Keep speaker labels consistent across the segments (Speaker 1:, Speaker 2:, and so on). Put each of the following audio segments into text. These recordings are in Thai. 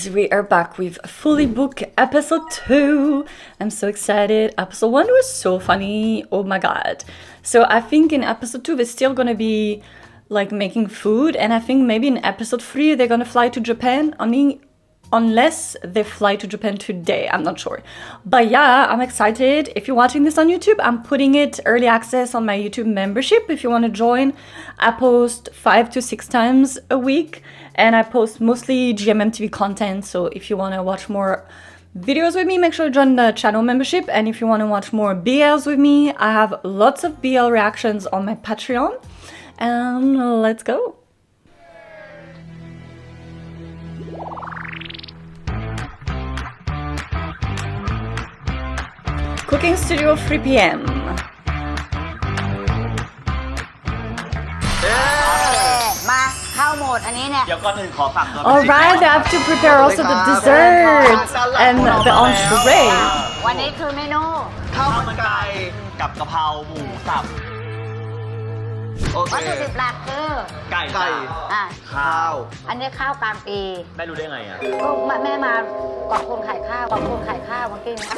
Speaker 1: We are back with Fully Booked episode 2. I'm so excited. Episode 1 was so funny. Oh my god. So I think in episode 2 they're still gonna be like making food, and I think maybe in episode 3 they're gonna fly to Japan. Unless they fly to Japan today, I'm not sure. But yeah, I'm excited. If you're watching this on YouTube, I'm putting it early access on my YouTube membership. If you want to join, I post 5 to 6 times a week, and I post mostly GMMTV content. So if you want to watch more videos with me, make sure to join the channel membership. And if you want to watch more BLs with me, I have lots of BL reactions on my Patreon. And let's go. Cooking studio 3 p.m.
Speaker 2: มาเข้าโหมดอันนี้เนี่ย
Speaker 3: เดี๋ยวก่อนอื่นขอฝากตัว
Speaker 1: Alright, they have to prepare also the dessert and the entree.
Speaker 2: วันนี้คือเมนู
Speaker 3: ข้าวมันไก่กับกะเพราหมูสับโอเค
Speaker 2: วัตถุดิบหลักคือ
Speaker 3: ไก่
Speaker 2: อ่ะ
Speaker 3: ข้าว
Speaker 2: อันนี้ข้าวกลางปี
Speaker 3: แม่รู้ได้ไงอ่ะ
Speaker 2: ก็แม่มาก่อนคนขายข้าวก่อนคนขายข้าวเมื่อกี้นี้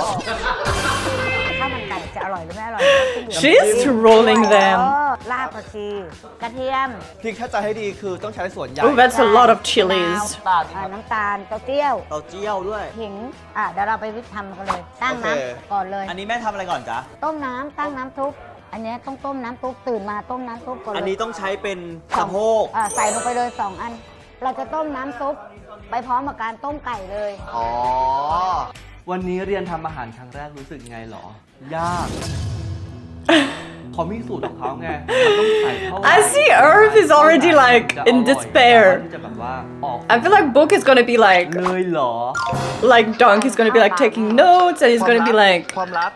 Speaker 2: ข้าวมันไก่จะอร่อยหรือไม่อร่อย
Speaker 1: She's trolling them.
Speaker 2: ลาบผักชีกระเทียม
Speaker 4: พริกถ้าจะให้ดีคือต้องใช้ส่วนใหญ่
Speaker 1: Oh, that's a lot of chilies.
Speaker 2: น้ำตาลเต้าเจี้ยว
Speaker 4: เต้าเจี้ยวด้วย
Speaker 2: ขิงเดี๋ยวเราไปวิธีทำกันเลย ตั้งน้
Speaker 4: โอเค
Speaker 2: ำก่อนเลย
Speaker 4: อันนี้แม่ทำอะไรก่อนจ๊ะ
Speaker 2: ต้มน้ำตั้งน้ำซุปอันนี้ต้องต้มน้ำซุปตื่นมาต้มน้ำซุปก่อนเลย
Speaker 4: อันนี้ต้องใช้เป็นสะโพก
Speaker 2: ใส่ลงไปเลย2 อัน เราจะต้มน้ำซุปไปพร้อมกับการต้มไก่เลย
Speaker 4: อ๋อ วันนี้เรียนทำอาหารครั้งแรกรู้สึกไงหรอ ยาก เขามีสูตรของเขาไงมันต้องใส่เท่าไหร่
Speaker 1: I see Irv is already like in
Speaker 4: จะ
Speaker 1: despair.
Speaker 4: แบบว่าออก
Speaker 1: I feel like Book is gonna be
Speaker 4: เลยเหรอ
Speaker 1: like Dunk is gonna be like taking notes, and he's gonna be like,
Speaker 4: ความลับ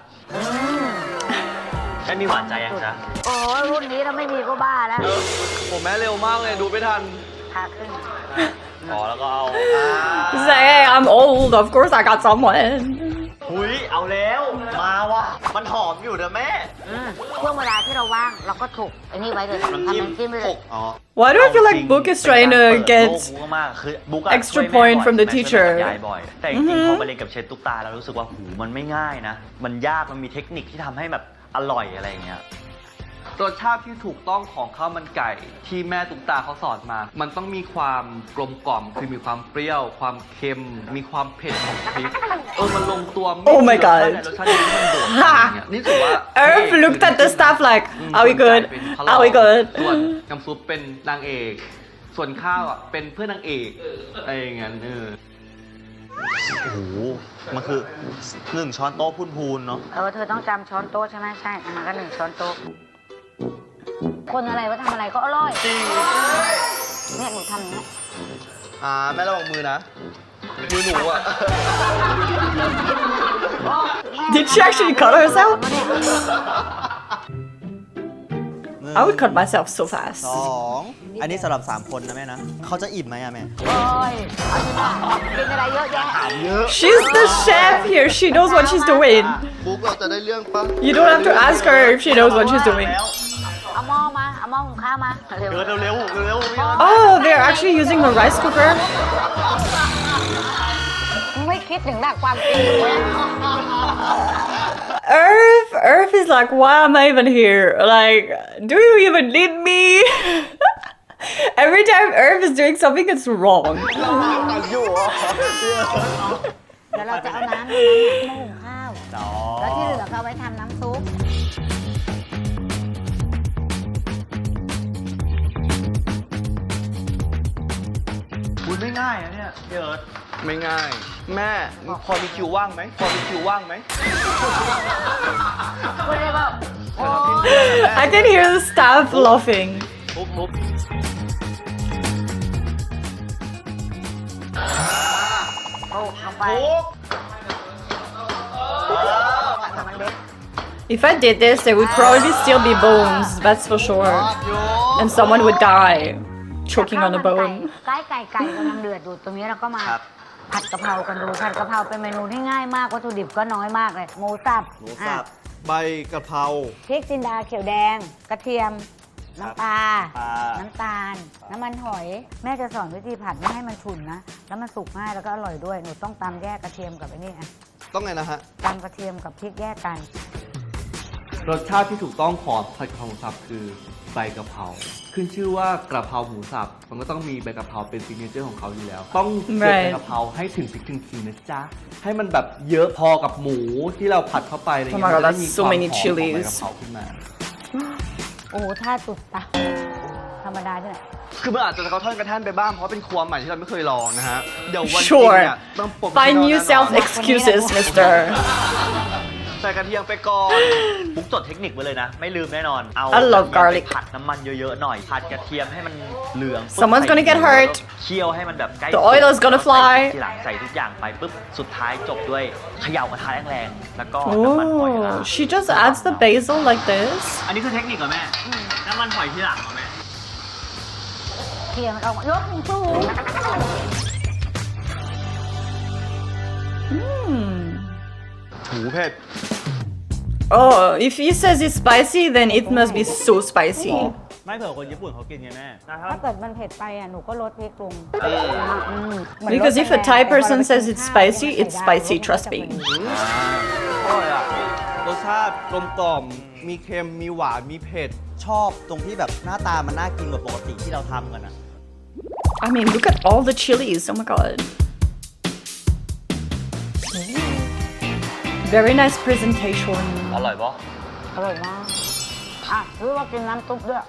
Speaker 3: แม่มีหวานใจยังจ๊ะ
Speaker 2: โอ้รุ่นนี้เราไม่มีก็บ้าแล้ว
Speaker 4: ผมแม่เร็วมากเลยดูไม่ทัน
Speaker 2: พาขึ้น
Speaker 3: อ๋อแล้วก็เอา
Speaker 1: he's like, hey, I'm old. Of course, I got someone.
Speaker 3: หุยเอาแล้วมาว่ะมันหอมอยู่นะแม่
Speaker 2: ช่วงเวลาที่เราว่างเราก็ถูกไอ้นี่ไว้เลยทำ
Speaker 3: น้ำ
Speaker 2: น้ำ
Speaker 3: จิ้ม
Speaker 2: จิ้มไปเลย
Speaker 3: อ๋อ
Speaker 1: Why do I feel like Book is trying to
Speaker 3: เป็นการ
Speaker 1: get
Speaker 3: เปิดโลกบุ๊กมากคือบุ๊ก
Speaker 1: extra point from the teacher
Speaker 3: ยายบ่อยแต่จริงๆพอไปเรียนกับเชฟตุ๊กตาแล้วรู้สึกว่าหูมันไม่ง่ายนะ มันยากมันมีเทคนิคที่ทำให้แบบอร่อยอะไรอย่างเงี้ย
Speaker 4: รสชาติที่ถูกต้องของข้าวมันไก่ที่แม่ตุ๊กตาเขาสอนมา มันต้องมีความกลมกล่อมคือมีความเปรี้ยว ความเค็ม มีความเผ็ดของพริกมันลงตัวไม่
Speaker 1: Oh my
Speaker 4: เยอะ
Speaker 1: god
Speaker 4: ในรสชาติที่มันโดดอย่างเงี้ยนี่ถือว่า
Speaker 1: Irv looked at the stuff like,
Speaker 4: อืม
Speaker 1: are we good?
Speaker 4: เป็นพระรอง
Speaker 1: Are we good?
Speaker 4: ส่วนน้ำซุปเป็นนางเอก ส่วนข้าวอ่ะเป็นเพื่อนนางเอกอะไรอย่างเงี้ย
Speaker 3: โอ้โหมันคือ1 ช้อนโต๊ะพูนๆเนาะ
Speaker 2: เธอต้องจำช้อนโต๊ะใช่ไหมใช่ก็1 ช้อนโต๊ะคนอะไรว่าทำอะไรก็อร่อยเนี่ยหนูทำอย่างนี้
Speaker 4: แม่ระวังมือนะ มือหนูอ่ะ
Speaker 1: Did she actually cut herself? I would cut myself so fast.
Speaker 5: 2 อันนี้สำหรับ 3 คนนะแม่นะ เขาจะอิ่มไหมอะแม่
Speaker 2: โอ้ยเอาสิมากินอะไรเยอะแยะ
Speaker 1: She's the chef here. She knows what she's doing.
Speaker 4: บุ๊กเราจะได้เรื่องปะ
Speaker 1: You don't have to ask her if she knows what she's doing.
Speaker 2: เอาหม้อมาเอาหม้อหุงข้าวมาเร็ว
Speaker 3: เร็วพี่
Speaker 1: Oh, they're actually using the rice cooker.
Speaker 2: ไม่คิดถึงหลักความจริงเลย
Speaker 1: Irv is like, why am I even here? Like, do you even need me? Every time Irv is doing something, it's wrong.
Speaker 2: เดี๋ยวเราจะเอาน้ำในนั้นหม้อหุงข้าวแล้วที่เหลือก็เอาไว้ทำน้ำซุป
Speaker 3: คุณไม่ง่ายนะเนี่ยพี่เอิร์ธ
Speaker 4: ไม่ง่าย แม่พอมีคิวว่างไหม พอมีคิวว่างไหม
Speaker 2: พูดได้ป่าโอ้ย
Speaker 1: I can hear the staff laughing.
Speaker 3: ทุบ
Speaker 2: โอ้ลงไปมันเล็ก
Speaker 1: If I did this, there would probably still be bones, that's for sure. And someone would die, choking on a bone.
Speaker 2: ไก่กำลังเดือดอยู่ตรงนี้เราก็มาผัดกะเพรากันดูผัดกะเพราเป็นเมนูที่ง่ายมากวัตถุดิบก็น้อยมากเลยหมูสับ
Speaker 5: หมูสับ
Speaker 4: ใบกะเพรา
Speaker 2: พริกจินดาเขียวแดง กระเทียมน้ำปลา
Speaker 5: ปลา
Speaker 2: น้ำตาล น้ำมันหอย แม่จะสอนวิธีผัดไม่ให้มันฉุนนะ แล้วมันสุกง่ายแล้วก็อร่อยด้วย หนูต้องตำแยกกระเทียมกับไอ้นี่อ่ะ
Speaker 4: ต้องไงนะฮะ
Speaker 2: ตำกระเทียมกับพริกแยกกัน
Speaker 4: รสชาติที่ถูกต้องของผัดกะเพราหมูสับคือใบกะเพราขึ้นชื่อว่ากระเพราหมูสับมันก็ต้องมีใบกะเพราเป็นซิกเนเจอร์ของเขาอยู่แล้ว ต้องเก็บ
Speaker 1: Right
Speaker 4: ใบกะเพราให้ถึงพริกถึงขิงนะจ๊ะ ให้มันแบบเยอะพอกับหมูที่เราผัดเข้าไปอะไรเงี้
Speaker 1: Oh my
Speaker 4: ย
Speaker 1: God,
Speaker 4: มันจะได้
Speaker 1: that's
Speaker 4: มี
Speaker 1: so
Speaker 4: ความ
Speaker 1: many
Speaker 4: หอมของ
Speaker 1: chilies
Speaker 4: ใบกะเพราขึ้นมา
Speaker 2: โอ้โหท่าตุดตาธรรมดาที่ไหน
Speaker 4: คือมันอาจจะกระท่อนกระแท่นไปบ้างเพราะเป็นครัวใหม่ที่เราไม่เคยลองนะฮะเดี๋ยววันจริง
Speaker 1: Sure
Speaker 4: เนี่ยต้องปม
Speaker 1: Find
Speaker 4: ที่
Speaker 1: new
Speaker 4: เราแน่นอน
Speaker 1: self excuses, mister.
Speaker 4: ใส่กระเทียมไปก่อน
Speaker 3: บุ๊กจดเทคนิคไว้เลยนะ ไม่ลืมแน่นอน เอา
Speaker 1: I love
Speaker 3: กระเทียม
Speaker 1: garlic
Speaker 3: ไปผัดน้ำมันเยอะๆหน่อย ผัดกระเทียมให้มันเหลืองปุ๊บ
Speaker 1: Someone's gonna get
Speaker 3: ใส่
Speaker 1: hurt
Speaker 3: เคี่ยวให้มันแบบใกล้
Speaker 1: The oil is gonna fly
Speaker 3: ทีหลังใส่ทุกอย่างไปปุ๊บ สุดท้ายจบด้วยเขย่ากระทะแรงๆ แล้วก็น้ำมันหอยลา
Speaker 1: Oh, she just adds the basil like this.
Speaker 3: อันนี้คือเทคนิคเหรอแม่ น้ำมันหอยทีหลังเหรอแม่
Speaker 2: เทียมเรายกสูง
Speaker 4: หูเผ็ด
Speaker 1: Oh, if he says it's spicy, then it must be so spicy.
Speaker 5: ไม่เผื่อคนญี่ปุ่นเขากินไงแม่
Speaker 2: ถ้าเกิดมันเผ็ดไปอ่ะ หนูก็ลดพริกลงเหมือน
Speaker 1: Because if a Thai person says it's spicy, it's spicy, trust me.
Speaker 4: อร่อยอ่ะ รสชาติกลมกล่อม มีเค็ม มีหวาน มีเผ็ด
Speaker 5: ชอบตรงที่แบบหน้าตามันน่ากินกว่าปกติที่เราทำกันอะ
Speaker 1: I mean, look at all the chilies. Oh my god. Very nice presentation.
Speaker 3: อร่อยปะ
Speaker 2: อร่อยมาก อ่ะรู้ว่ากินน้ำซุปด้วย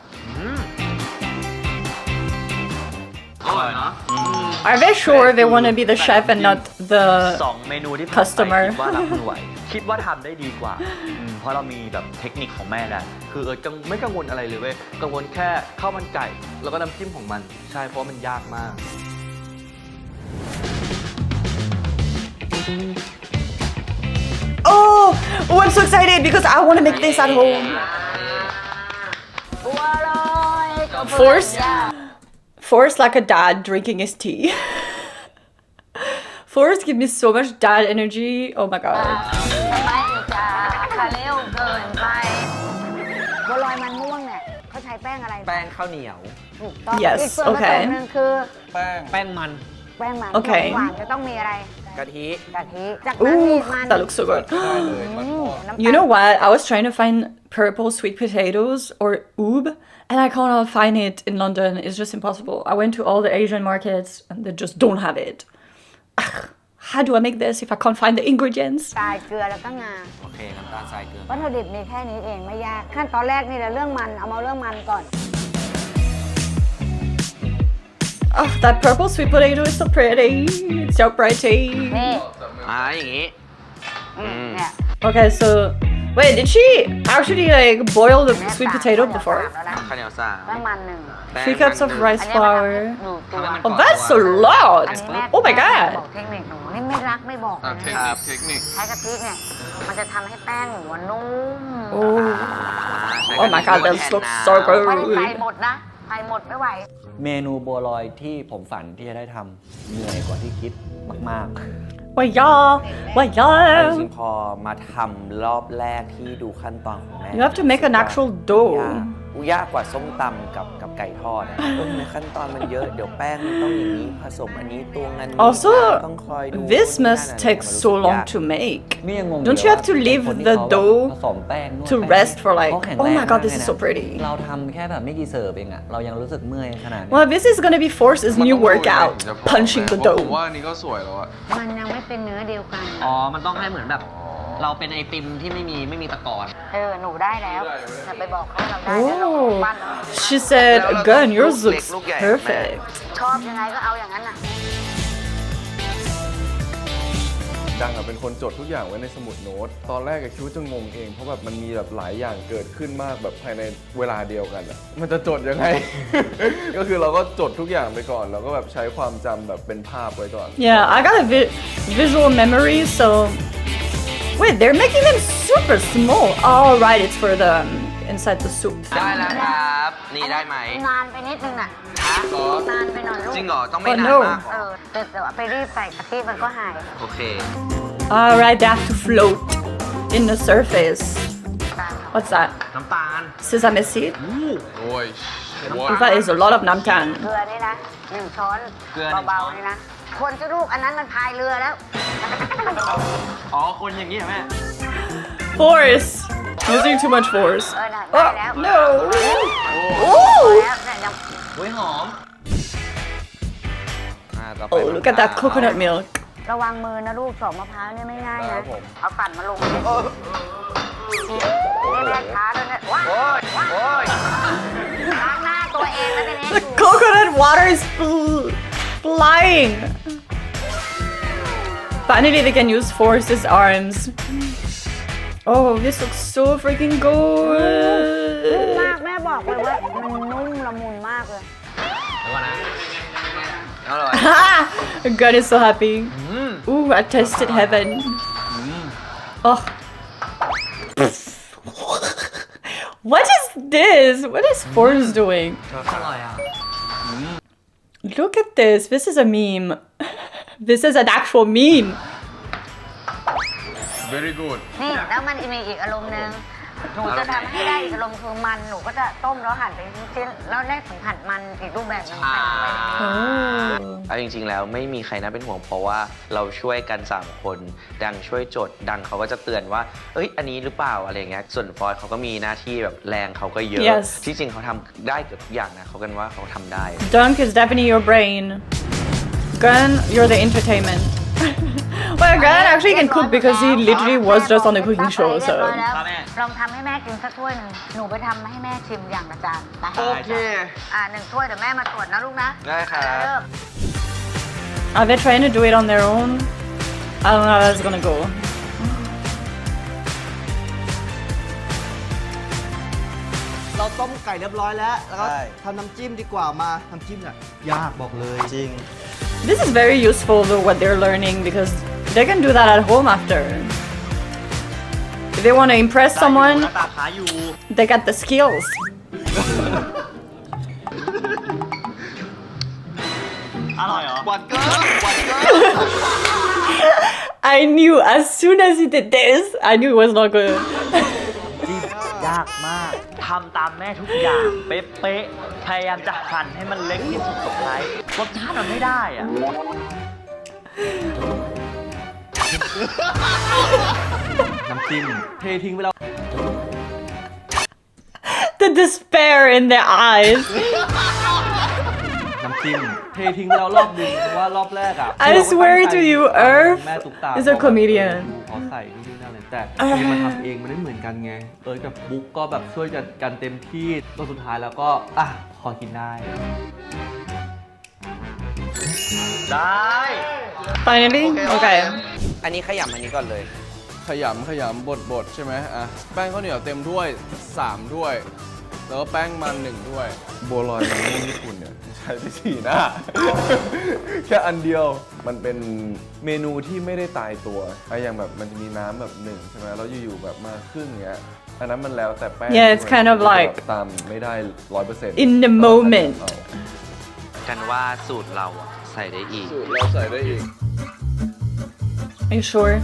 Speaker 4: อร่อยนะ
Speaker 1: Are they sure they want to be the chef and not the
Speaker 3: สองเมนูที่ผม
Speaker 1: customer
Speaker 3: คิดว่ารับมือไหว คิดว่าทำได้ดีกว่าเพราะเรามีแบบเทคนิคของแม่แล้ว
Speaker 4: คือไม่กังวลอะไรเลยเว้ย กังวลแค่ข้าวมันไก่ แล้วก็น้ำจิ้มของมัน ใช่ เพราะมันยากมาก
Speaker 1: Oh, I'm so excited because I want to make this at home.
Speaker 2: บัวลอยกับ
Speaker 1: Force like a dad drinking his tea. Force give me so much dad energy. Oh my god.
Speaker 2: ไม่จ้าคาเร็วเกินไปบัวลอยมันม่วงเนี่ยเขาใช้แป้งอะไร
Speaker 6: แป้งข้าวเหนียว
Speaker 2: ถูกต้อง
Speaker 1: Yes,
Speaker 2: อีกส่วนผส
Speaker 1: okay.
Speaker 2: มหนึงคือ
Speaker 6: แป้งมัน
Speaker 2: แป้งมัน
Speaker 1: โอเค
Speaker 2: หวานจะต้องมีอะไร
Speaker 6: กะทิ
Speaker 2: กะทิจากนั้นมี
Speaker 1: Ooh,
Speaker 2: มัน
Speaker 1: that looks so good.
Speaker 2: น้ำตาล
Speaker 1: You know what? I was trying to find purple sweet potatoes or oob, and I cannot find it in London. It's just impossible. I went to all the Asian markets and they just don't have it. Ugh, how do I make this if I can't find the ingredients?
Speaker 2: ทรายเกลือแล้วก็งา
Speaker 6: โอเค น้ำตาลทรายเกลือ
Speaker 2: วัตถุดิบมีแค่นี้เองไม่ยาก ขั้นตอนแรกนี่แหละเรื่องมัน เอามาเรื่องมันก่อน
Speaker 1: Oh, that purple sweet potato is so pretty. It's so pretty.
Speaker 2: นี่
Speaker 6: อย่างงี้
Speaker 2: เนี่ย
Speaker 1: Okay, so wait, did she actually like boil the sweet potato before?
Speaker 6: ข้าวเหนียวสาม
Speaker 2: แป้งมันหนึ่ง
Speaker 1: 3 cups of rice
Speaker 2: อันนี้มันทำ
Speaker 1: flour.
Speaker 2: ให้หนูตัว
Speaker 1: Oh, that's a lot.
Speaker 2: อันนี้แม่
Speaker 1: Oh my
Speaker 2: บ
Speaker 1: god.
Speaker 2: อกเทคนิคหนูนี่ไม่รักไม่บอกเลยนะ
Speaker 4: เทคนิค
Speaker 2: ใช้กะทิเนี่ย มันจะทำให้แป้งหนูอะนุ่ม
Speaker 1: Oh, oh my god, this looks so
Speaker 2: ไม่ได้ใส่
Speaker 1: good.
Speaker 2: หมดนะใส่หมดไม่ไหว
Speaker 6: เมนูบัวลอยที่ผมฝันที่จะได้ทำเหนื่อยกว่าที่คิดมาก
Speaker 1: Wait, y'all. Wait,
Speaker 6: ๆจ
Speaker 1: y'all.
Speaker 6: ริงๆพอมาทำรอบแรกที่ดูขั้นตอนของแม่
Speaker 1: You have to make an actual dough.
Speaker 6: ยากกว่าส้มตำกับไก่ทอดอะทำไมขั้นตอนมันเยอะ เดี๋ยวแป้งมันต้องอย่างนี้ผสมอันนี้ตวงอันนี้
Speaker 1: Also,
Speaker 6: ต้องคอยดู
Speaker 1: this
Speaker 6: นู่นนี่
Speaker 1: must
Speaker 6: นั่น
Speaker 1: take
Speaker 6: มันรู้
Speaker 1: so
Speaker 6: สึก
Speaker 1: long
Speaker 6: ยาก
Speaker 1: to make.
Speaker 7: นี่ยังงง
Speaker 1: Don't you have to leave the dough
Speaker 7: ผสมแป้งนวด
Speaker 1: to
Speaker 7: แป้ง
Speaker 1: rest for like,
Speaker 7: เขาแข็ง
Speaker 1: oh
Speaker 7: แรง
Speaker 1: my god, this
Speaker 7: มาก
Speaker 1: is
Speaker 7: เลย
Speaker 1: so
Speaker 7: นะ
Speaker 1: pretty.
Speaker 7: เราทำแค่แบบไม่กี่เสิร์ฟเองอะเรายังรู้สึกเมื่อยขนาดนี้
Speaker 1: Well, this is gonna be Force's new workout, punching the
Speaker 8: ผม
Speaker 1: dough.
Speaker 8: ว่าอันนี้ก็สวยแล้วอะ
Speaker 2: มันยังไม่เป็นเนื้อเดียวกัน
Speaker 6: อ๋อ มันต้องให้เหมือนแบบ เราเป็นไอติมที่ไม่มีตะกอน
Speaker 2: หนูได้แล้วอย่าไปบอกเขาเราได้แล้วเรา
Speaker 1: Oh,
Speaker 2: ปั้นเอา
Speaker 1: she said, again, yours
Speaker 6: look
Speaker 1: looks
Speaker 6: look, yeah,
Speaker 1: perfect.
Speaker 2: ชอบยังไงก็เอาอย่างนั้นน่ะ
Speaker 8: ดังอะเป็นคนจดทุกอย่างไว้ในสมุดโน้ต ตอนแรกอะคิดว่าจะงงเอง เพราะแบบมันมีแบบหลายอย่างเกิดขึ้นมากแบบภายในเวลาเดียวกันอะมันจะจดยังไง ก็คือเราก็จดทุกอย่างไปก่อน แล้วก็แบบใช้ความจำแบบเป็นภาพไว้ก่อน
Speaker 1: Yeah, I got a visual memory, so. Wait, they're making them super small. Oh, right, it's for the inside the soup
Speaker 6: ได้
Speaker 1: thing.
Speaker 6: แล้วครับ นี่ได้ไหม
Speaker 2: นานไปนิดนึงน่ะนานไปหน่อยลูก
Speaker 6: จริงเหรอ ต้องไม่
Speaker 1: Oh,
Speaker 6: นาน
Speaker 1: no.
Speaker 6: มากเหรอ
Speaker 2: แต่ว่าไปรีบใส่กะทิมันก็หาย
Speaker 6: โอเค
Speaker 1: Alright, they have to float in the surface.
Speaker 2: การทำ
Speaker 1: What's that?
Speaker 3: น้ำตาล
Speaker 1: Sesame seed?
Speaker 8: โอ้ย
Speaker 1: That is a lot of namtan.
Speaker 2: เกลือนี่นะ1 ช้อน
Speaker 3: เกลือหนึ่งช้อน
Speaker 2: เบาๆนี่นะ คนจะลูกอันนั้นมันพายเรือแล้ว
Speaker 3: อ๋อ คนอย่างนี้เหรอแม่
Speaker 1: Force. Using too much force.
Speaker 2: น่ะได้แล้ว
Speaker 1: Oh, no.
Speaker 2: แล้วเนี่ยยัง
Speaker 3: เฮ้ยหอม
Speaker 6: ต่อไป
Speaker 1: Oh, look at that coconut milk.
Speaker 2: ระวังมือนะลูกสองมะพร้าวเนี่ยไม่ง่าย
Speaker 6: ครั
Speaker 2: นะ
Speaker 6: บผม
Speaker 2: เอาปั่นมาลงนี่แม่ช้าด้วยนะว้ายว้ายล้างหน้าตัวเองแล้วทีนี้
Speaker 1: The coconut water is flying. Finally, they can use Force's arms. Oh, this looks so freaking
Speaker 2: นุ่ม
Speaker 1: good.
Speaker 2: มากแม่บอกเลยว่ามันนุ่มละมุนมากเลย
Speaker 1: God is so happy. Ooh, I tasted heaven. Oh. What is this? What is Force doing?
Speaker 3: อร่อยอ่ะ
Speaker 1: Look at this. This is a meme. This is an actual meme.
Speaker 8: very good
Speaker 2: นี่แล้วมันจะมีอีกอารมณ์หนึงหนูจะทำให้ได้อีกอารมณ์คือมันหนูก็จะต้มแล้วหั่นเป็นชิ้นๆแล้วได้สัมผัสมันอีกรูปแบบหนึงใส่ลงไป
Speaker 1: Oh.
Speaker 6: เอาจริงๆแล้วไม่มีใครน่าเป็นห่วงเพราะว่าเราช่วยกัน 3 คน ดังช่วยจด ดังเขาก็จะเตือนว่า เอ้ย อันนี้หรือเปล่าอะไรอย่างเงี้ย ส่วนฟอยเขาก็มีหน้าที่แบบแรงเขาก็เยอะ
Speaker 1: Yes
Speaker 6: ที่จริงเขาทำได้เกือบทุกอย่างนะเขากันว่าเขาทำได้
Speaker 1: Dunk is definitely your brain. Gun, you're the entertainment. Well, Gun actually can cook because he literally was just on the cooking show,
Speaker 2: เรียบร้อย
Speaker 1: so.
Speaker 2: แล้ว
Speaker 3: ครับแม่
Speaker 2: ลองทำให้แม่กินสักถ้วยหนึ่งหนูไปทำให้แม่ชิมอย่างละจานไป
Speaker 3: โอเค
Speaker 2: 1 ถ้วยเดี๋ยวแม่มาตรวจนะลูกนะ
Speaker 6: ได้ครับ
Speaker 2: เริ่ม
Speaker 1: Are they trying to do it on their own? I don't know how that's gonna go.
Speaker 5: เราต้มไก่เรียบร้อยแล้ว แล้วก็ใช่ทำน้ำจิ้มดีกว่ามาน้ำจิ้มเนี่ยยากบอกเลยจริง
Speaker 1: This is very useful though what they're learning because they can do that at home after. If they want to impress
Speaker 3: หน้า
Speaker 1: someone,
Speaker 3: ตาขาอยู่
Speaker 1: they got the skills.
Speaker 3: อร่อยเหรอ
Speaker 4: หวานเกินหวานเกิน
Speaker 1: I knew as soon as he did this, I knew it was not good.
Speaker 3: จิ้มยากมาก ทำตามแม่ทุกอย่าง เป๊ะๆ พยายามจะหั่นให้มันเล็กที่สุดสุดท้ายรสชาติมันไม่ได้อ่ะ
Speaker 4: น้ำจิ้มเททิ้งไปแล้ว
Speaker 1: The despair in their eyes.
Speaker 4: น้ำจิ้มเททิ้งไปแล้วรอบหนึงเพราะว่ารอบแรกอ่ะ
Speaker 1: I swear to you, Earth
Speaker 4: แม่ตุ๊กตา
Speaker 1: is a comedian.
Speaker 4: เขาใส่นี่นั่นเลยแต่เองมาทำเองมันไม่เหมือนกันไงกับบุ๊กก็แบบช่วยกันเต็มที่จนสุดท้ายแล้วก็พอกินได้
Speaker 3: ได้
Speaker 1: Finally? Okay.
Speaker 6: อันนี้ขยำอันนี้ก่อนเลย
Speaker 8: ขยำบดใช่ไหมอ่ะแป้งข้าวเหนียวเต็มถ้วย3ถ้วย แล้วก็แป้งมัน1ถ้วยบัวลอยมันไม่ญี่ปุ่นเนี่ยใช้ไป4 หน้า แค่อันเดียวมันเป็นเมนูที่ไม่ได้ตายตัวไอ้อย่างแบบมันจะมีน้ำแบบ1ใช่ไหมแล้วอยู่ๆแบบมาครึ่งเงี้ยอันนั้นมันแล้วแต่แป้ง
Speaker 1: Yeah, it's kind of like
Speaker 8: ตามไม่ได้ 100%
Speaker 1: in the moment.
Speaker 6: กันว่าสูตรเราอะใส่ได้อีก
Speaker 8: สูตรเราใส่ได้อีก
Speaker 1: Are you sure?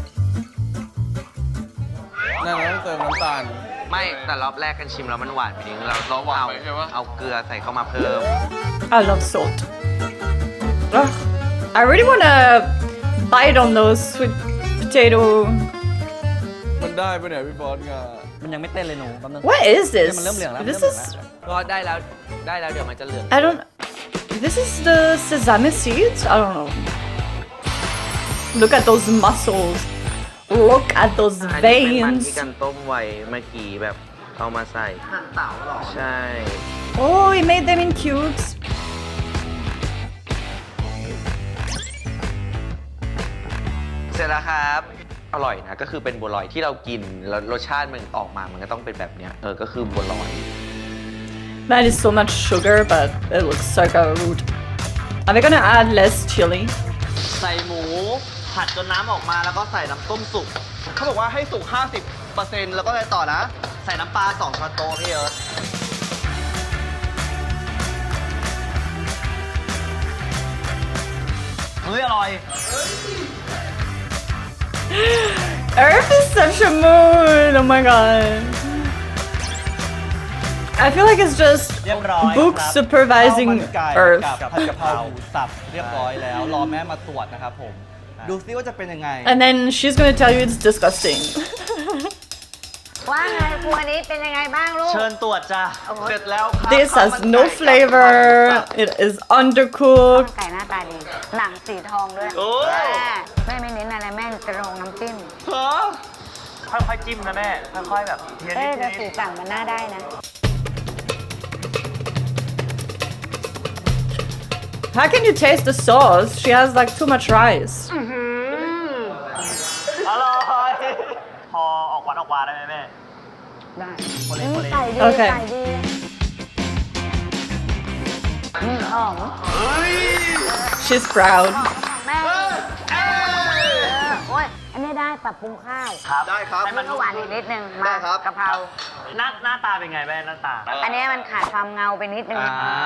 Speaker 8: นั่นเราต้องเติมน้ำตาล
Speaker 6: ไม่แต่รอบแรกกันชิมแล้วมันหวานไปนิดนึงเรา
Speaker 8: หวานไปใช่ปะ
Speaker 6: เอาเกลือใส่เข้ามาเพิ่ม
Speaker 1: I love salt. Ugh, I really wanna bite on those sweet potato.
Speaker 8: มันได้ปะเนี่ยพี่บอสงา
Speaker 7: มันยังไม่เต้นเลยหนูแป๊บนึง
Speaker 1: What is this?
Speaker 7: มันเริ่มเหลืองแล้ว
Speaker 1: This
Speaker 7: เริ่ม
Speaker 1: is.
Speaker 7: เหลืองแล้ว
Speaker 6: ก็ได้แล้วเดี๋ยวมันจะเหลือง
Speaker 1: I don't. This is the sesame seeds? I don't know. Look at those muscles. Look at those
Speaker 6: อันนี้เป็นมัน
Speaker 1: veins.
Speaker 6: ที่กันต้มไว้เมื่อกี้แบบเอามาใส่หั่นเต่าหรอใช่
Speaker 1: Oh, he made them in cubes.
Speaker 6: เสร็จแล้วครับ อร่อยนะก็คือเป็นบัวลอยที่เรากินแล้วรสชาติมันออกมามันก็ต้องเป็นแบบเนี้ยก็คือบัวลอย
Speaker 1: That is so much sugar, but it looks so good. Are we gonna add less chili?
Speaker 3: ใส่หมู ผัดจนน้ำออกมาแล้วก็ใส่น้ำต้มสุก เขาบอกว่าให้สุก 50% แล้วก็อะไรต่อนะ ใส่น้ำปลา2 ช้อนโต๊ะพี่เอิร์ธเฮ้ย อร่อย
Speaker 1: Earth is such a mood. Oh my god. I feel like it's just
Speaker 5: เรียบร้อย
Speaker 1: book
Speaker 5: ครับ
Speaker 1: supervising
Speaker 5: ข้าวมันไก่
Speaker 1: Earth.
Speaker 5: กับผัดกะเพราหมูสับเรียบร้อยแล้ว รอแม่มาตรวจนะครับผม ดูซิว่าจะเป็นยังไง
Speaker 1: And then she's gonna tell you it's disgusting.
Speaker 2: ว่าไงครัวนี้เป็นยังไงบ้างลูก
Speaker 3: เชิญตรวจจ้ะ เสร็จแล้วครับ
Speaker 1: This
Speaker 3: ข้าว
Speaker 1: has
Speaker 3: มัน
Speaker 1: no
Speaker 3: ไก่
Speaker 1: flavor. It is undercooked.
Speaker 2: ไก่หน้าตาดี หนังสีทองด้วย
Speaker 3: โอ้
Speaker 2: แม่ไม่เน้นอะไรแม่จะลงน้ำจิ้ม
Speaker 3: ฮะ
Speaker 4: ค่อยๆจิ้มนะแม่ ค่อยๆแบบเทียน
Speaker 2: เอ๊ะ
Speaker 4: นิ
Speaker 2: แต่
Speaker 4: ด
Speaker 2: สีสั่งมันน่าได้นะ
Speaker 1: How can you taste the sauce? She has like too much rice.
Speaker 4: ๆอร่อย พอออกหวานออกหวานได้ไหมแม่
Speaker 2: ได้
Speaker 4: คนเล่นคนเล่น
Speaker 2: ไก่ดี
Speaker 1: โอเค
Speaker 2: ไก่ดีหอม
Speaker 1: She's proud.
Speaker 2: แม่โอ้ย อันนี้ได้ปรับปรุงข้าว
Speaker 4: ครับ
Speaker 3: ได้ครับ
Speaker 2: มันก็หวานอีกนิดนึง
Speaker 3: ได้
Speaker 2: มา
Speaker 3: ครับ
Speaker 2: กะเพรา
Speaker 4: หน้าตาเป็นไงแม่หน้าตา
Speaker 2: อันนี้มันขาดความเงาไปนิดนึง
Speaker 3: อ่า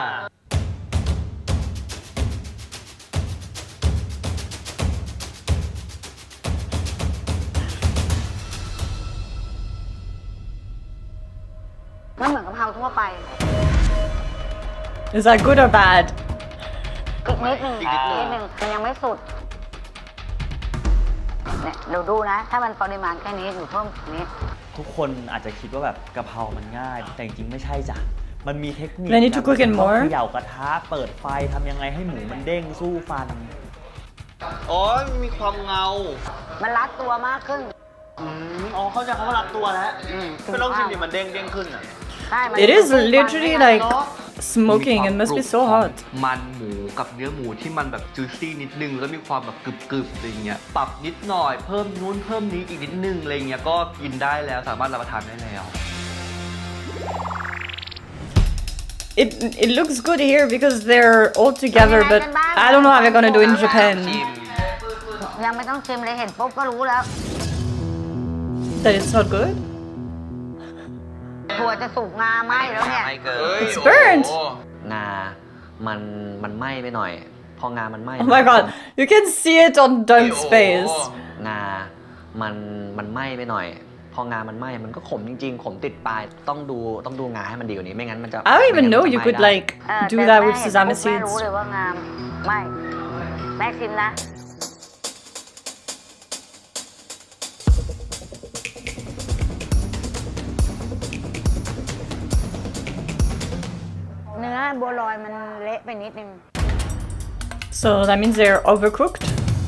Speaker 2: มันเหมือนกะเพราทั่วไป
Speaker 1: Is that good or bad?
Speaker 2: อีกนิดนึงมันยังไม่สุดเนี่ยเราดูนะ ถ้ามันปริมาณแค่นี้อยู่เพิ่มอีกนิด
Speaker 9: ทุกคนอาจจะคิดว่าแบบกะเพรามันง่าย แต่จริงๆไม่ใช่จ้ะ มันมีเทคนิค
Speaker 1: They need to cook it
Speaker 9: ต้อง
Speaker 1: more
Speaker 9: เขย่ากระทะเปิดไฟทำยังไงให้หมูมันเด้งสู้ฟัน
Speaker 3: อ๋อมีความเงา
Speaker 2: มันรัดตัวมากขึ้น
Speaker 4: อ๋อเข้าใจเขาว่ารัดตัวแล้วไม่ต้องชิมดิมันเด้งขึ้นอ่ะ
Speaker 2: ใช่มัน
Speaker 1: It is literally like smoking. It must be so hot.
Speaker 4: มันหมูกับเนื้อหมูที่มันแบบจูซี่นิดนึง แล้วมีความแบบกรึบๆอะไรเงี้ย ปรับนิดหน่อยเพิ่มนู้นเพิ่มนี้อีกนิดนึงอะไรเงี้ยก็กินได้แล้วสามารถรับประทานได้แล้ว
Speaker 1: It looks good here because they're all together, but I don't know how they're gonna do in Japan.
Speaker 2: ยังไม่ต้องชิมเลยเห็นปุ๊บก็รู้แล้ว
Speaker 1: That it's not good.
Speaker 2: ถั่วจะสุกงาไหมแล้วเนี่ย
Speaker 6: ไม่เกิน
Speaker 1: It's burnt.
Speaker 7: งา มันไหม้ไปหน่อย พองามันไหม้
Speaker 1: Oh my god, you can see it on Dunk's face.
Speaker 7: งา มันไหม้ไปหน่อย พองามันไหม้มันก็ขมจริงๆ ขมติดปลาย ต้องดูงาให้มันดีกว่านี้ ไม่งั้นมันจะ
Speaker 1: I don't even know
Speaker 7: ไม่งั้น
Speaker 1: you
Speaker 7: มันจะ
Speaker 1: could
Speaker 7: ไหม้ได้
Speaker 1: like
Speaker 2: เออ
Speaker 1: do
Speaker 2: แต่
Speaker 1: that
Speaker 2: แม่
Speaker 1: with
Speaker 2: เห็น
Speaker 1: sesame
Speaker 2: ปุ๊บแม่
Speaker 1: seeds.
Speaker 2: รู้เลยว่างามไม่แม่ชิมนะ เนื้อบัวลอยมันเละไปนิดนึง
Speaker 1: So that means they're overcooked.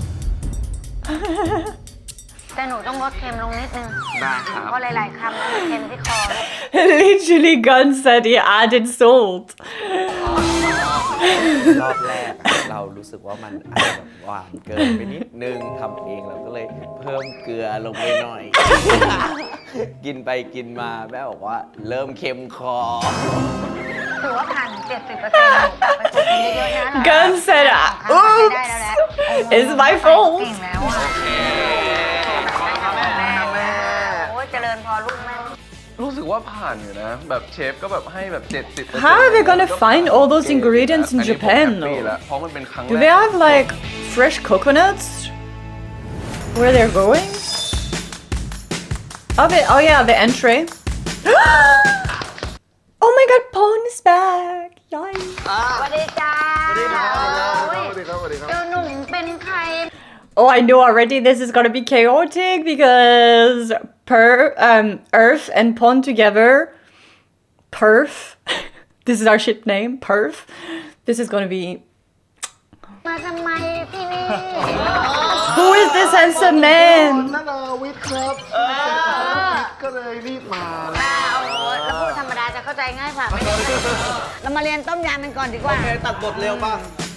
Speaker 2: แต่หนูต้องลดเค็มลงนิดนึง
Speaker 6: ได้ครับ
Speaker 2: เพราะหลายๆคำมันเค็มที่คอ
Speaker 1: Literally, Gun said he added salt.
Speaker 7: รอบแรกเรารู้สึกว่ามันอาจจะแบบหวานเกินไปนิดนึงทำเองเราก็เลยเพิ่มเกลือลงไปหน่อย กินไปกินมาแม่บอกว่าเริ่มเค็มคอ
Speaker 2: ถือว่าผ่านถึง 70%ไปฝึกกันเยอะๆนะ
Speaker 1: Gun said,
Speaker 2: ได้
Speaker 1: oops,
Speaker 2: แล้วแหละ
Speaker 1: it's my fault.
Speaker 2: เก่งแล้วอ่ะแม่โอ้ยเจริญพอลูกแม่
Speaker 8: รู้สึกว่าผ่านอยู่นะ แบบเชฟก็แบบให้แบบ70%
Speaker 1: How are they gonna find all those ingredients in Japan,
Speaker 8: อันนี้ผมแฮปปี้
Speaker 1: though?
Speaker 8: แล้วเพราะมันเป็นครั้งแร
Speaker 1: Do
Speaker 8: ก
Speaker 1: they have like fresh coconuts where they're going? Oh yeah, the entree. Oh my god, Pon is back! Yikes.
Speaker 2: สวัสดีจ้าสวัสดีครับเจ้าหนุ่มเป็นใคร
Speaker 1: Oh, I know already this is gonna be chaotic because Earth and Pon together, Perf. This is our ship name, Perf. This is gonna be.
Speaker 2: มาทำไมที่นี่
Speaker 1: Who is this handsome man?
Speaker 5: นานาวิทย์ครับก็เลยรีบมา
Speaker 2: แล้วพูดธรรมดาจะเข้าใจง่ายกว่าไม่ได้เรามาเรียนต้มยำกันก่อนดีกว่า
Speaker 5: โอเคตัดบทเร็วป่ะ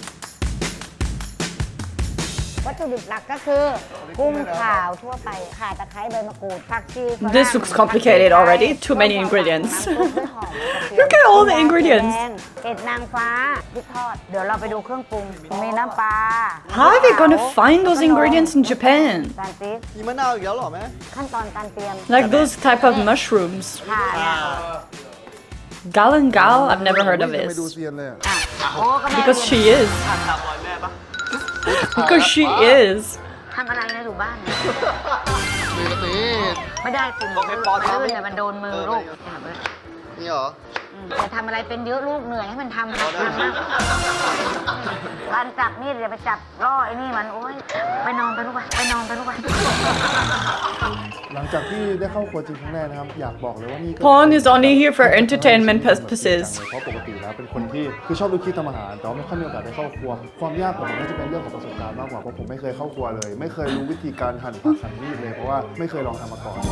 Speaker 2: วัตถุดิบหลักก็คือกุ้งขาวทั่วไปข่าตะไคร้ใบมะกรูดผักชีฝรั่ง
Speaker 1: This looks complicated already. Too many ingredients. Look at all the ingredients.
Speaker 2: เห็ดนางฟ้าพริกทอด เดี๋ยวเราไปดูเครื่องปรุง มีน้ำปลา
Speaker 1: How are they gonna find those ingredients in Japan?
Speaker 2: ตาลปี๊บ
Speaker 5: มีมะนาวอีกแล้วเหรอแม่
Speaker 2: ขั้นตอนการเตรียม
Speaker 1: Like those type of mushrooms.
Speaker 2: ข่าเนี่ย
Speaker 1: Galangal? I've never heard of
Speaker 5: ไม่ดู
Speaker 1: this.
Speaker 5: เซียนเลยอะ
Speaker 2: โอ้ก็แม่
Speaker 1: Because she is.
Speaker 4: ตามรอยแม่ปะ
Speaker 1: Because she is.
Speaker 2: ทำอะไรนะอยู่บ้านไม่ได้สิ
Speaker 3: โอเคปอทำ
Speaker 2: ลื่นเนี่ยมันโดนมือลูก
Speaker 3: นี่เหรอ
Speaker 2: อย่าทำอะไรเป็นเยอะลูกเหนื่อยให้มันทำนะการจับมีดอย่าไปจับล่อไอ้นี่มันโอ๊ยไปนอนไปลูกไปนอนไปลูกไป
Speaker 10: หลังจากที่ได้เข้าครัวจริงครั้งแรกนะครับ อยากบอกเลยว่านี่ก็
Speaker 1: Pawn is only here for entertainment purposes
Speaker 10: เพราะปกติแล้วเป็นคนที่คือชอบดูคลิปทำอาหารแต่ว่าไม่ค่อยมีโอกาสได้เข้าครัว ความยากของผมน่าจะเป็นเรื่องของประสบการณ์มากกว่าเพราะผมไม่เคยเข้าครัวเลย ไม่เคยรู้วิธีการหั่นผักหั่นมีดเลยเพราะว่าไม่เคยลองทำมาก่อน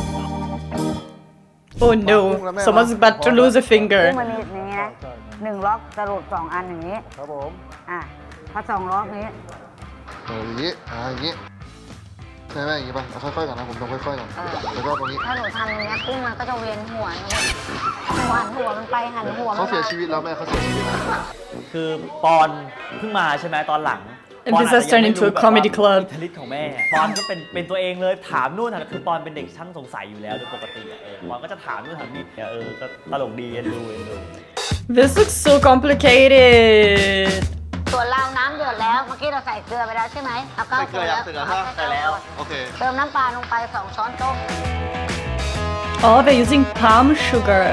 Speaker 1: Oh no someone's about to lose a
Speaker 2: กุ้
Speaker 1: finger
Speaker 2: งมันมีอย่างนี้นะ1 ล็อกจะหลุด2 อันอย่างนี้
Speaker 10: ครับผม
Speaker 2: พอ2 ล็อกนี้
Speaker 10: อย่างนี้อย่างนี้ใช่ไหมอย่างนี้ป่ะค่อยๆก่อนนะผมต้องค่อยๆก่อนแล้วก็ตรงนี้
Speaker 2: ถ้าหนูทำอย่างนี้กุ้งมันก็จะเวียนหัวหัวมันไปหันหัวมัน
Speaker 10: เขาเสียชีวิตแล้วแม่เขาเสียชีวิตแล้ว
Speaker 9: คือปอนเพิ่งมาใช่ไหมตอนหลัง
Speaker 1: And this has turned into a comedy club
Speaker 9: อิทธิฤทธิ์ของแม่ปอนก็เป็นตัวเองเลยถามนู่นถามคือปอนเป็นเด็กช่างสงสัยอยู่แล้วโดยปกติปอนก็จะถามนู่นถามนี่ก็ตลกดีเอ็นดู
Speaker 1: This looks so complicated
Speaker 2: ส่วนเราน้ำเดือดแล้วเมื่อกี้เราใส่เกลือไปแล้วใช่ไหมเอาเก้า
Speaker 3: ใส่เกลือยังใส่เกลือฮะใส่แล้ว โอเค
Speaker 2: เติมน้ำปลาลงไป2 ช้อนโต๊ะ
Speaker 1: Oh they're using palm sugar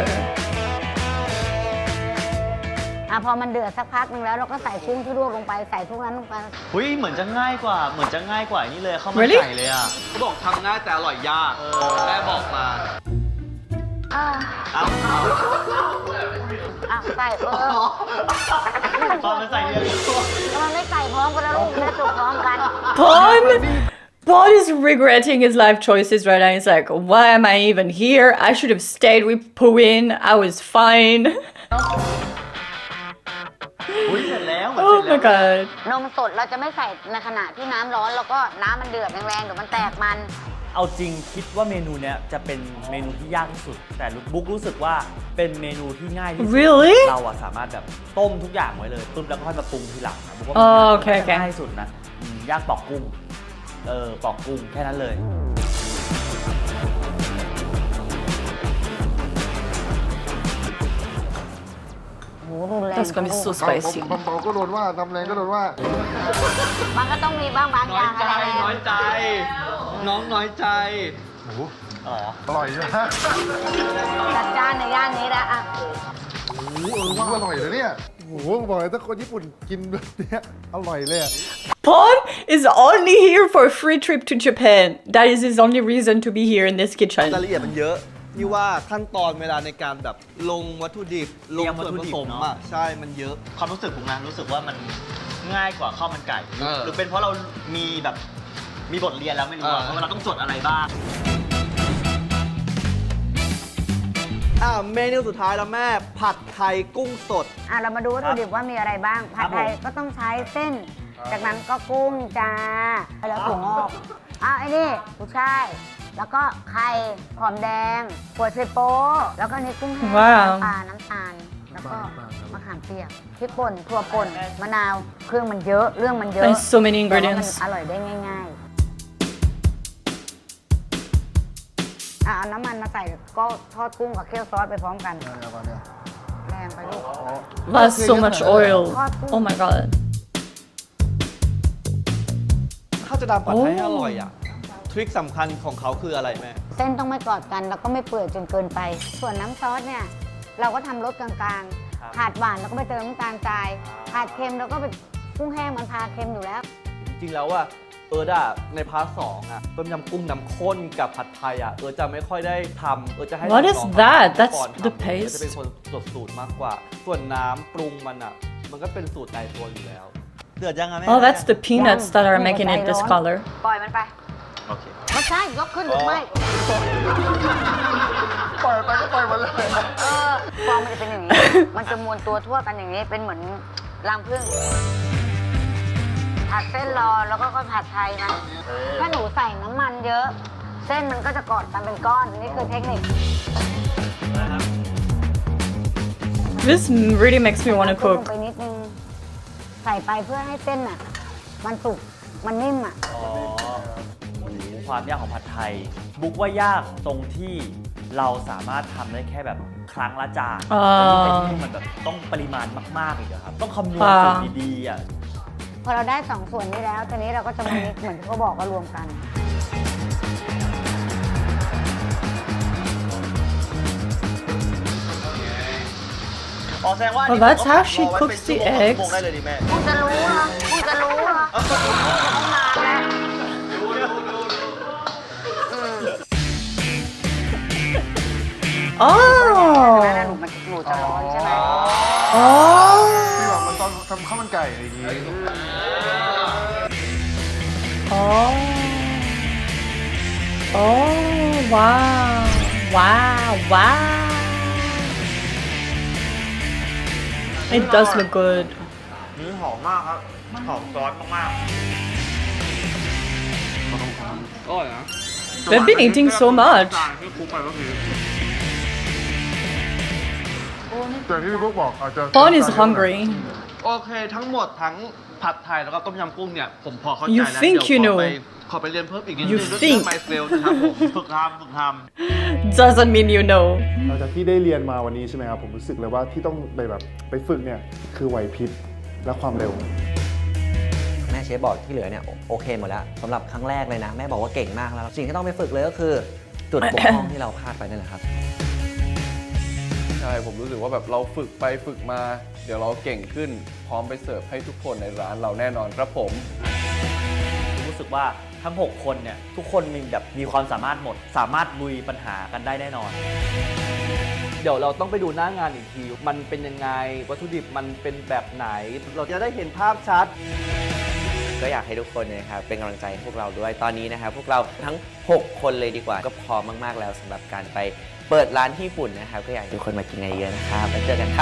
Speaker 2: พอมันเดือดสักพักหนึ่งแล้วเราก็ใส่กุ้งที่ลวกลงไปใส่ทุกนั้นลงไป
Speaker 9: เฮ้ยเหมือนจะง่ายกว่านี่เลยเข้ามา
Speaker 1: Really?
Speaker 9: ใส่เลยอ่ะ
Speaker 3: เขาบอกทำง่ายแต่อร่อยยาก แม่บอกมา
Speaker 2: เอา
Speaker 3: เอา
Speaker 2: ใส่
Speaker 9: ตอนมันใส่เยอะ
Speaker 2: มันไม่ใส่พร้อมกันแล้วลูกแม่จุกพร้อมกัน
Speaker 1: Pawn is regretting his life choices right now. He's like, why am I even here? I should have stayed with Puin. I was fine.
Speaker 9: เสร็จแล้ว
Speaker 1: Oh my god.
Speaker 2: นมสดเราจะไม่ใส่ในขณะที่น้ำร้อนแล้วก็น้ำมันเดือดแรงๆเดี๋ยวมันแตกมัน
Speaker 9: เอาจริงคิดว่าเมนูเนี้ยจะเป็นเมนูที่ยากที่สุด แต่บุ๊กรู้สึกว่าเป็นเมนูที่ง่ายที่สุด
Speaker 1: Really?
Speaker 9: เราอะสามารถแบบต้มทุกอย่างไว้เลยตุ้มแล้วก็ค่อยมาปรุงทีหลังนะบุ๊กว่า
Speaker 1: อ๋อ
Speaker 9: มัน
Speaker 1: โอเคโอเค
Speaker 9: ง่ายที่สุดนะยากปอกกุ้งปอกกุ้งแค่นั้นเลย
Speaker 2: โหรุนแรง
Speaker 1: That's gonna be so spicy.
Speaker 10: ทำเบาก็โดนว่าทำแรงก็โดนว่า
Speaker 2: มันก็ต้องมีบ้างบางอ
Speaker 3: น้อย
Speaker 2: ย่าง
Speaker 3: ใจ
Speaker 2: อะไร
Speaker 3: น้อยใจ น้องน้อยใจ
Speaker 9: อ๋อ
Speaker 10: อร่อยใช่ไหม
Speaker 2: จัดจ้านในย่านนี้นะอ่ะ
Speaker 10: ว่าอร่อยเลยเนี่ยโอ้โหบอกเลยถ้าคนญี่ปุ่นกินแบบเนี้ยอร่อยเลยอะ
Speaker 1: Pawn is only here for a free trip to Japan. That is his only reason to be here in this
Speaker 3: ราย
Speaker 1: kitchen.
Speaker 3: ละเอียดมันเยอะนี่ว่าขั้นตอนเวลาในการแบบลงวัตถุดิบ ลงส่วนผสมอ่ะ ใช่ มันเยอะ
Speaker 9: ความรู้สึกผมนะรู้สึกว่ามันง่ายกว่าข้าวมันไก่
Speaker 3: เออ
Speaker 9: หรือเป็นเพราะเรามีแบบมีบทเรียนแล้วไม่รู้ว่าเราต้องจดอะไรบ้าง
Speaker 3: เมนูสุดท้ายแล้วแม่ ผัดไทยกุ้งสด
Speaker 2: เรามาดูวัตถุดิบว่ามีอะไรบ้าง ผัดไทยก็ต้องใช้เส้น จากนั้นก็กุ้งจ้าแล้วถั่วงอกไอ้นี่กุ้ยช่ายแล้วก็ไข่หอมแดงหัวไชโป๊แล้วก็นี่กุ้งแห้ง
Speaker 1: ว้าว
Speaker 2: น้ำตาล แล้วก็มะขามเปียกพริกป่นถั่วป่นมะนาวเครื่องมันเยอะเรื่องมันเยอะ
Speaker 1: There's so many
Speaker 2: แต่ว่ามัน
Speaker 1: ingredients.
Speaker 2: อร่อยได้ง่ายๆเอาน้ำมันมาใส่ก็ทอดกุ้งกับเคี่ยวซอสไปพร้อมกันแรงไปลูก
Speaker 1: That's so much oil. Oh my god.
Speaker 3: ถ้าจะทำผัดไทยให้อร่อยอ่ะ ทริคสำคัญของเขาคืออะไรแม่
Speaker 2: เส้นต้องไม่กอดกันแล้วก็ไม่เปื่อยจนเกินไป ส่วนน้ำซอสเนี่ย เราก็ทำรสกลางๆขาดหวานแล้วก็ไปเติมน้ำตาลทรายขาดเค็มแล้วก็ไปกุ้งแห้งมันพาเค็มอยู่แล้ว
Speaker 3: จริงๆแล้วว่าในพาร์ทสองอ่ะต้มยำกุ้งน้ำข้นกับผัดไทยอ่ะจะไม่ค่อยได้ทำจะให้
Speaker 1: What is
Speaker 3: น้อง
Speaker 1: that?
Speaker 3: ทำ
Speaker 1: That's
Speaker 3: ก่อนทำ
Speaker 1: the paste
Speaker 3: จะเป็นคนจดสูตรมากกว่า ส่วนน้ำปรุงมันอ่ะ มันก็เป็นสูตรในตัวอยู่แล้ว เดือดยังไงแม่
Speaker 1: Oh, that's the peanuts that are making it this color.
Speaker 2: ปล่อยมันไป
Speaker 9: โอเค
Speaker 2: ไม่ใช่ยกขึ้นหรือไม่
Speaker 10: ปล่อยไปก็ปล่อยหมดเลย
Speaker 2: ฟองมันจะเป็นอย่างนี้ มันจะมวนตัวทั่วกันอย่างนี้เป็นเหมือนรังผึ้งผัดเส้นรอแล้วก็ค่อยผัดไทยนะถ้าหนูใส่น้ำมันเยอะ เส้นมันก็จะกอดกันเป็นก้อนนี่คือเทคนิค
Speaker 1: This really makes me want to
Speaker 2: ลง
Speaker 1: cook.
Speaker 2: ไปนิดนึงใส่ไปเพื่อให้เส้นอ่ะ มันสุกมันนิ่มอ่ะ
Speaker 9: ความยากของผัดไทย บุ๊กว่ายากตรงที่เราสามารถทำได้แค่แบบครั้งละจาน
Speaker 1: อ๋อ
Speaker 9: แต่ที่มันแบบต้องปริมาณมากๆอีกอะครับ ต้องคำนวณสูตรดีๆอ่ะ
Speaker 2: พอเราได้สองส่วนนี้แล้วตอนนี้เราก็จะมามิกซ์เหมือนที่เขาบอกว่ารวมกัน
Speaker 3: เอ๋อแสดงว่า
Speaker 1: Oh, that's how she cooks the eggs.
Speaker 3: โมงได้เลยดิแม่
Speaker 2: มึงจะรู้เหรอมึงจะรู้เหรอต้องนานแล้วแล้ว
Speaker 1: Oh.
Speaker 2: หนูจะร้อนใช่ไหม
Speaker 1: Oh.
Speaker 10: ที่แบบมันตอนทำข้าวมันไก่อะไรอย่างงี้
Speaker 1: Oh. Oh, wow. Wow, wow. It does look good.
Speaker 9: หอมมากครับ หอมซอสมาก
Speaker 1: We've been eating so much.
Speaker 10: แต่ที่พี่พวกบอกอาจจะ
Speaker 1: Paul is hungry.
Speaker 4: โอเคทั้งหมดทั้งผัดไทยแล้วก็ต้มยำกุ้งเนี่ย ผมพอเข้าใจ
Speaker 1: You
Speaker 4: แล้ว
Speaker 1: think
Speaker 4: เดี๋ยว
Speaker 1: you know
Speaker 4: ขอไปเรียนเพิ่มอีกนิดนึ
Speaker 1: You
Speaker 4: งเรื่อง
Speaker 1: think
Speaker 4: ไมเซลนะครับผมฝึกทำ
Speaker 1: Doesn't mean you know.
Speaker 10: หลังจากที่ได้เรียนมาวันนี้ใช่ไหมครับผมรู้สึกเลยว่าที่ต้องไปฝึกเนี่ยคือไหวพริบและความเร็ว
Speaker 5: แม่เชฟบอกที่เหลือเนี่ยโอเคหมดแล้วสำหรับครั้งแรกเลยนะ แม่บอกว่าเก่งมากแล้ว สิ่งที่ต้องไปฝึกเลยก็คือ จุดบกพร่องที่เราพลาดไปนั่นแหละครับ
Speaker 8: ใช่ผมรู้สึกว่าแบบเราฝึกไปฝึกมา เดี๋ยวเราเก่งขึ้น พร้อมไปเสิร์ฟให้ทุกคนในร้านเราแน่นอนครับผม
Speaker 9: ๆ รู้สึกว่าทั้ง 6 คนเนี่ย ทุกคนมีความสามารถหมด สามารถลุยปัญหากันได้แน่นอน
Speaker 3: เดี๋ยวเราต้องไปดูหน้างานอีกที มันเป็นยังไง วัตถุดิบมันเป็นแบบไหน เราจะได้เห็นภาพชัด
Speaker 7: ก็อยากให้ทุกคนนะครับเป็นกำลังใจให้พวกเราด้วยตอนนี้นะครับพวกเราทั้ง 6 คนเลยดีกว่าก็พร้อมมากๆแล้วสำหรับการไปเปิดร้านที่ญี่ปุ่นนะครับก็อยากให้ทุกคนมากินกันเยอะนะครับแล้วเจอกันครับ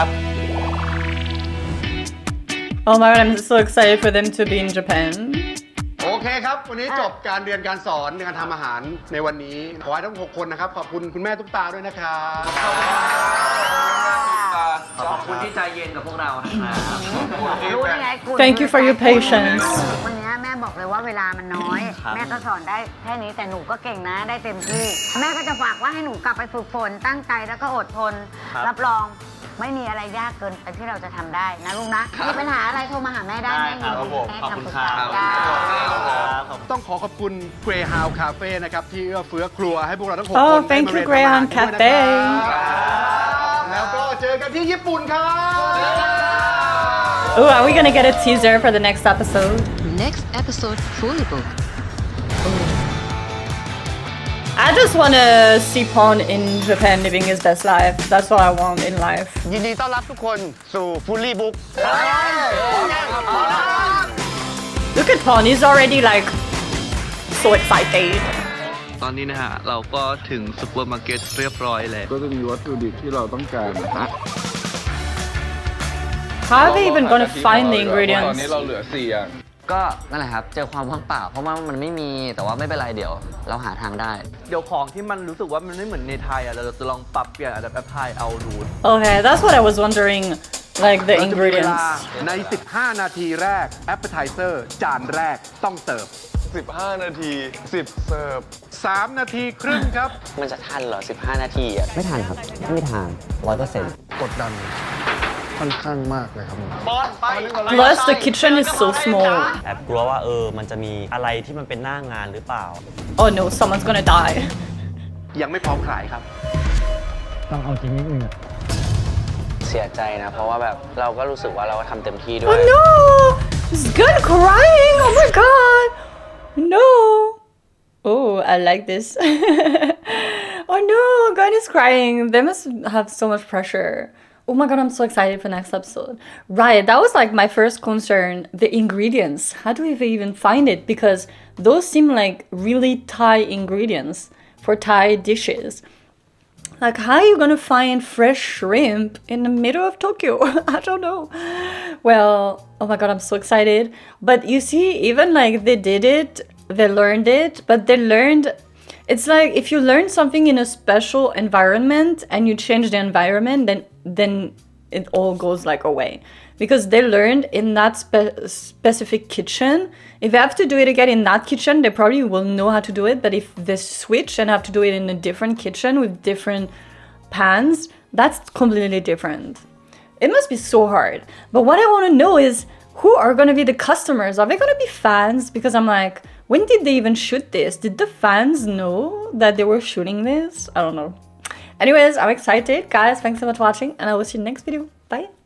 Speaker 1: Oh my god, I'm so excited for them to be in Japan.
Speaker 11: โอเคครับ วันนี้จบการเรียนการสอนในการทำอาหารในวันนี้ ขอให้ทั้ง 6 คนนะครับ ขอบคุณคุณแม่ตุ๊กตาด้วยนะครับ
Speaker 4: ขอบคุณที่ใจเย็นกับพวกเรานะครับ
Speaker 2: รู้ได้ไงคุณ
Speaker 1: Thank you for your patience.
Speaker 2: วันนี้แม่บอกเลยว่าเวลามันน้อย
Speaker 9: ครับ
Speaker 2: แม่ก็สอนได้แค่นี้แต่หนูก็เก่งนะได้เต็มที่ แม่ก็จะฝากว่าให้หนูกลับไปฝึกฝนตั้งใจแล้วก็อดทน รับรองไม่มีอะไรยากเกินไปที่เราจะทำได้นะลูกนะ มีปัญหาอะไรโทรมาหาแม่ได้แม่ยินดีให้คำปรึกษาจ้า
Speaker 11: ต้องขอบคุณ Greyhound Cafe นะครับ ที่เอื้อเฟื้อครัวให้พวกเราทั้ง 6
Speaker 1: Oh,
Speaker 11: คนได้
Speaker 1: thank
Speaker 11: มา
Speaker 1: you,
Speaker 11: เรียน
Speaker 1: Greyhound
Speaker 11: ทำอาหารด้วยนะ
Speaker 1: Cafe.
Speaker 11: ครับแล้วก็เจอกันที่ญี่ปุ่นครับ
Speaker 1: Oh, are we gonna get a teaser for the next episode?
Speaker 12: Next episode fully booked.
Speaker 1: I just wanna see Pawn in Japan living his best life. That's what I want in life.
Speaker 11: ยินดีต้อนรับทุกคนสู่ Fully Book
Speaker 1: Look at Pawn, he's already like so excited.
Speaker 4: ตอนนี้นะฮะเราก็ถึงซุปเปอร์มาร์เก็ตเรียบร้อยแล้ว
Speaker 8: ก็จะมีวัตถุดิบที่เราต้องการนะ
Speaker 1: How are they even gonna find the
Speaker 8: ตอน
Speaker 1: ingredients?
Speaker 8: นี้เราเหลือ4อย่าง
Speaker 7: ก็นั่นแหละครับเจอความว่างเปล่าเพราะว่ามันไม่มีแต่ว่าไม่เป็นไรเดี๋ยวเราหาทางได้
Speaker 3: เดี๋ยวของที่มันรู้สึกว่ามันไม่เหมือนในไทยอ่ะเราจะลองปรับเปลี่ยนอาจจะแอปพลายเอาดู
Speaker 1: Okay, that's what I was wondering. Like the
Speaker 11: เราจะมีเวลา
Speaker 1: ingredients.
Speaker 11: ใน 15 นาทีแรก Appetizer จานแรกต้องเสิร์ฟ
Speaker 8: 15 นาที 10 เสิร์ฟ
Speaker 11: 3 นาทีครึ่งครับ
Speaker 7: มันจะทันเหรอ 15 นาทีอ่ะไม่ทันครับไม่ทัน100%
Speaker 10: กดดันค่อนข้างมากเลยครับ
Speaker 1: Plus, the kitchen is so small.
Speaker 9: แอบกลัวว่ามันจะมีอะไรที่มันเป็นหน้างานหรือเปล่า
Speaker 1: Oh no, someone's gonna die.
Speaker 11: ยังไม่พร้อมขายครับ
Speaker 7: เสียใจนะ เพราะว่าแบบเราก็รู้สึกว่าเราก็ทำเต็มที่ด้วย
Speaker 1: Oh no! He's good crying! Oh my god! No! Oh, I like this. Oh no, God is crying. They must have so much pressure. Oh my god, I'm so excited for next episode. Right, that was like my first concern. The ingredients. How do we even find it? Because those seem like really Thai ingredients for Thai dishes. Like, how are you gonna find fresh shrimp in the middle of Tokyo? I don't know. Well, oh my god, I'm so excited. But you see, even like they did it, they learned it, but they learned. It's like if you learn something in a special environment and you change the environment, then it all goes like away. Because they learned in that specific kitchen. If they have to do it again in that kitchen, they probably will know how to do it. But if they switch and have to do it in a different kitchen with different pans, that's completely different. It must be so hard. But what I want to know is who are going to be the customers? Are they going to be fans? Because I'm like, when did they even shoot this? Did the fans know that they were shooting this? I don't know. Anyways, I'm excited. Guys, thanks so much for watching, and I will see you in the next video. Bye.